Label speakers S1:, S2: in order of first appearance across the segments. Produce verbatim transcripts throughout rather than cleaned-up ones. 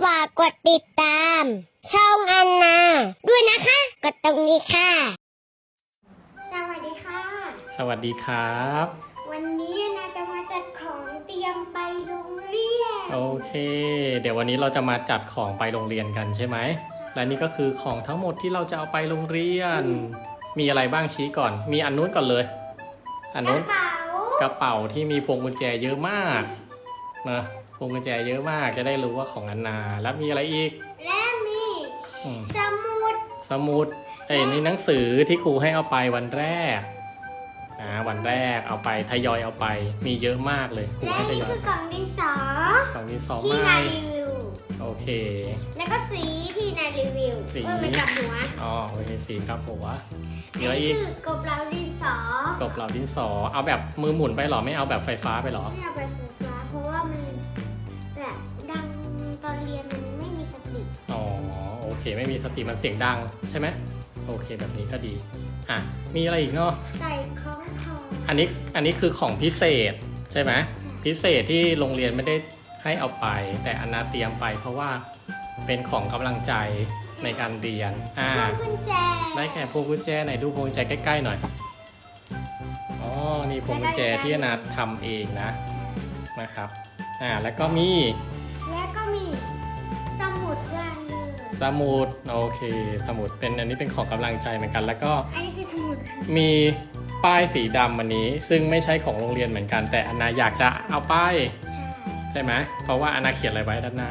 S1: ฝากกดติดตามช่องอันนาด้วยนะคะกดตรงนี้ค่ะสวัสดีค่ะ
S2: สวัสดีครับ
S1: วันนี้อันนาจะมาจัดของเตรียมไปโรงเรียน
S2: โอเคเดี๋ยววันนี้เราจะมาจัดของไปโรงเรียนกันใช่ไหมและนี่ก็คือของทั้งหมดที่เราจะเอาไปโรงเรียนมีอะไรบ้างชี้ก่อนมีอันนู้นก่อนเลยอันนู้นกระเป๋าที่มีพวงกุญแจเยอะมากนะพวงกุญแจเยอะมากจะได้รู้ว่าของอันนาแล้วมีอะไรอีก
S1: และมีสมุด
S2: สมุดไอ้นี่หนังสือที่ครูให้เอาไปวันแรกนะวันแรกเอาไปทยอยเอาไปมีเยอะมากเลย
S1: และนี่คือกล่องดินสอก
S2: ล่องดินสอ
S1: ที่นารีวิว
S2: โอเค
S1: แล้วก็สีที่นารีวิว
S2: สี
S1: มันกับหัว
S2: อ๋อโอเคสีครับหัว
S1: มีอะไรอีกคือกบเหลาดินสอก
S2: บเหลาดินสอเอาแบบมือหมุนไปหรอไม่เอาแบบไฟฟ้าไปหรอ
S1: ไม่เอาแบบไฟฟ้าเพราะว่ามันแบบดังตอนเรียนมันไม่มีสติ
S2: อ๋อโอเคไม่มีสติมันเสียงดังใช่ไหมโอเคแบบนี้ก็ดีอ่ะมีอะไรอีกเนาะ
S1: ใส่ของทอง
S2: อันนี้อันนี้คือของพิเศษใช่ไหมพิเศษที่โรงเรียนไม่ได้ให้เอาไปแต่อันนาเตรียมไปเพราะว่าเป็นของกำลังใจในการเรียนอ่า
S1: พวงกุญแจ
S2: ได้แก่พวงกุญแจไหนดูพวงกุญแจใกล้ๆหน่อยอ๋อนี่พวงกุญแจที่อันนาทำเองนะนะครับอ่าแล้วก็มี
S1: แล้วก็มีสมุดวางเลย
S2: สมุดโอเคสมุดเป็นอันนี้เป็นของกำลังใจเหมือนกันแล้วก็
S1: อันนี้คือสมุด
S2: มีป้ายสีดำอันนี้ซึ่งไม่ใช่ของโรงเรียนเหมือนกันแต่อันนาอยากจะเอาป้ายใช่ไหมเพราะว่าอันนาเขียนอะไรไว้ด้านหน้า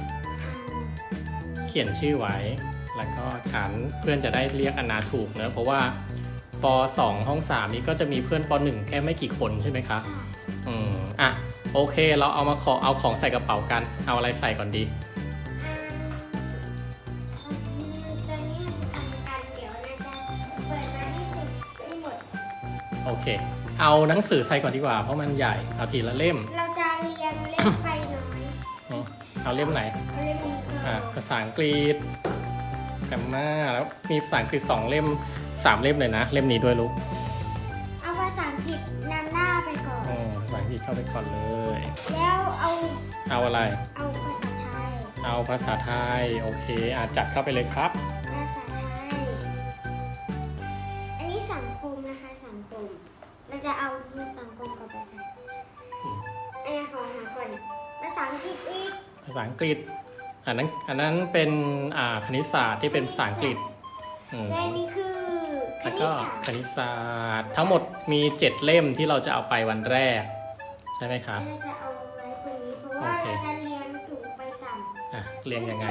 S2: เขียนชื่อไว้แล้วก็ฉันเพื่อนจะได้เรียกอันนาถูกเนอะเพราะว่าป สอง ห้องสามนี้ก็จะมีเพื่อนป หนึ่งแค่ไม่กี่คนใช่ไหมคะอืมอ่ะโอเคเราเอามาขอเอาของใส่กระเป๋ากันเอาอะไรใส่ก่อนดีโอเคเอาหนังสือใส่ก่อนดีกว่าเพราะมันใหญ่เอาทีละเล่ม
S1: เราจะเรียงเล่มไปหน่อย
S2: เอาเล่มไหน
S1: เอาเล่มนี้
S2: อ่าภาษาอังกฤษแกรมมาแล้วมีภาษาอังกฤษสองเล่มสามเล่มเลยนะเล่มนี้ด้วยลูก
S1: เอาภาษาอังกฤษนำหน้าไปก่อน
S2: อ๋อภาษาอังกฤษเข้าไปก่อนเลย
S1: แล้วเอา
S2: เอาอะไร
S1: เอาภาษาไทย
S2: เอาภาษาไทยโอเคอาจัดเข้าไปเลยครับ
S1: ภาษาไทยอันนี้สังคมนะคะสังคมเราจะเอาสังคมกับภาษาอันนี้ขอหาก่อนภาษาอังกฤษอีก
S2: ภาษาอังกฤษอันนั้นอันนั้นเป็นอ่าคณิตศาสตร์ที่เป็นภาษาอังกฤษ
S1: และนี่คือ
S2: แล้วก็คณิตศาสตร์ทั้งหมดมีเจ็ดเล่มที่เราจะเอาไปวันแรกใช่ไหมคะ
S1: เราจะเอาไว้ตรงนี้เพราะว่าเราจะเรียนสูงไปต่ำ
S2: อ่ะเรียนยังไง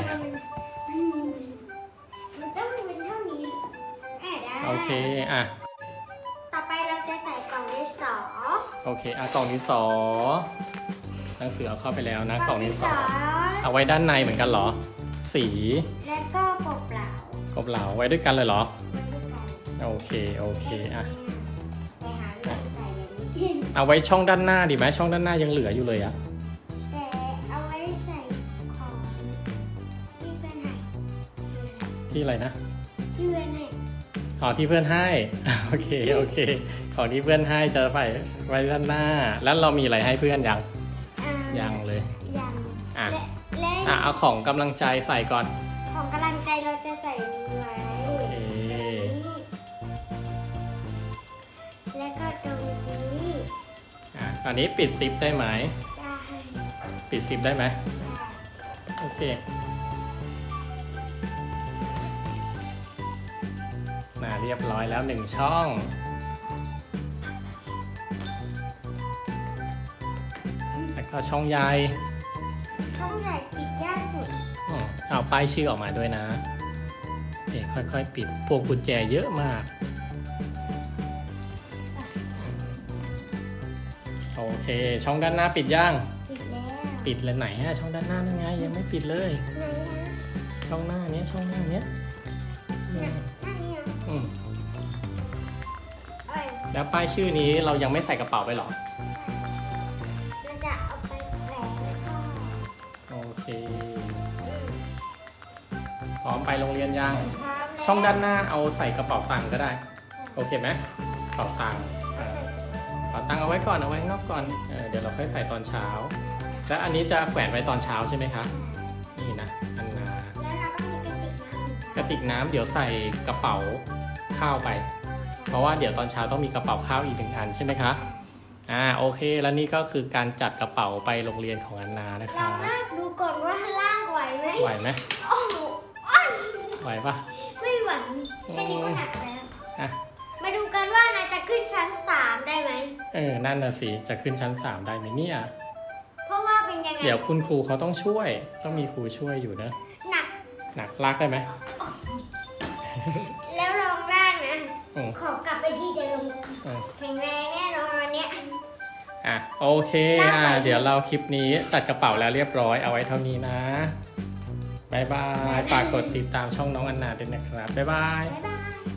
S1: มันต้องเป็นเท่านี้
S2: โอเคอ่ะ
S1: ต่อไปเราจะใส่กล่องดินสอ
S2: โอเคอ่ะกล่องดินสอหนังสือเอาเข้าไปแล้วนะกล่องดินสอเอาไว้ด้านในเหมือนกันเหรอสี
S1: และก็กบเหลาก
S2: บเหลาไว้ด้วยกันเลยเหรอ
S1: ไว้ด้วยกัน
S2: โอเคโอเคอ่ะ
S1: ไปหาเรื่องใส่แบบนี้
S2: เอาไว้ช่องด้านหน้าดีไหมช่องด้านหน้ายังเหลืออยู่เลยอะ
S1: แต่เอาไว้ใส่ของที่เพื่อนให้
S2: ที่อะไรนะ
S1: ที่เพื่อนให้
S2: อ๋อที่เพื่อนให้โอเคโอเคของที่เพื่อนให้จะใส่ไว้ด้านหน้าแล้วเรามีอะไรให้เพื่อนยังยังเลย
S1: ยัง
S2: อ่ะอ่ะเอาของกำลังใจใส่ก่อน
S1: ของกำลังใจเราจะใส่ไว้
S2: โอเค
S1: แล้วก็ตรงนี้
S2: อ่ะอันนี้ปิดซิปได้ไหม
S1: ได้
S2: ปิดซิปได้ไหมโอเคน่าเรียบร้อยแล้วหนึ่งช่องแล้วก็ช่องใหญ่
S1: ช่องใหญ่ปิดยากสุด
S2: เอาป้ายชื่อออกมาด้วยนะเอ๊ะค่อยๆปิดพวงกุญแจเยอะมากโอเคช่องด้านหน้าปิดย่าง
S1: ปิดแล้ว
S2: ปิดเลยไหนฮะช่องด้านหน้านั่นไงยังไม่ปิดเลยช่องหน้านี้ช่องหน้านี้อืมแล้วป้ายชื่อนี้เรายังไม่ใส่กระเป๋าไปหรอ
S1: เราจะเอาไปแขวน
S2: โอเคพร้อมไปโรงเรียนยังช่องด้านหน้าเอาใส่กระเป๋าตังค์ก็ได้โอเคไหมกระเป๋าตังค์กระเป๋าตังค์เอาไว้ก่อนเอาไว้นอกก่อนเดี๋ยวเราค่อยใส่ตอนเช้าแล้วอันนี้จะแขวนไว้ตอนเช้าใช่ไหมคะนี่นะอันนา
S1: แล้วเราก็มีกระติกน้ำ
S2: กระติกน้ำเดี๋ยวใส่กระเป๋าข้าวไป เพราะว่าเดี๋ยวตอนเช้าต้องมีกระเป๋าข้าวอีกหนึ่งอันใช่ไหมคะอ่าโอเคแล้วนี่ก็คือการจัดกระเป๋าไปโรงเรียนของอันนานะคะ
S1: เราลากดูก่อนว่าลากไหวไหม
S2: ไหวไหม
S1: โอ้โหอ้อย
S2: ไหวปะ
S1: ไม่ไหวแค่นี้ก็หนักแล้ว
S2: อ่ะ
S1: มาดูกันว่านายจะขึ้นชั้นสามได้ไหม
S2: เออนั่นน่ะสิจะขึ้นชั้นสามได้ไหมเนี่ย
S1: เพราะว่าเป็นยังไง
S2: เดี๋ยวคุณครูเขาต้องช่วยต้องมีครูช่วยอยู่นะ
S1: หนัก
S2: หนักลากได้ไหม
S1: แล้วลองร่างนะ
S2: อืม
S1: ขอกลับไปที่เดิม
S2: อืม
S1: แข็งแรงแน่นอนวันเนี้ย
S2: อ่ะโอเคอ่ะเดี๋ยวเราคลิปนี้จัดกระเป๋าแล้วเรียบร้อยเอาไว้เท่านี้นะบายบายฝากกดติดตามช่องน้องอันนาด้วยนะครับบ๊ายบาย
S1: บ๊ายบาย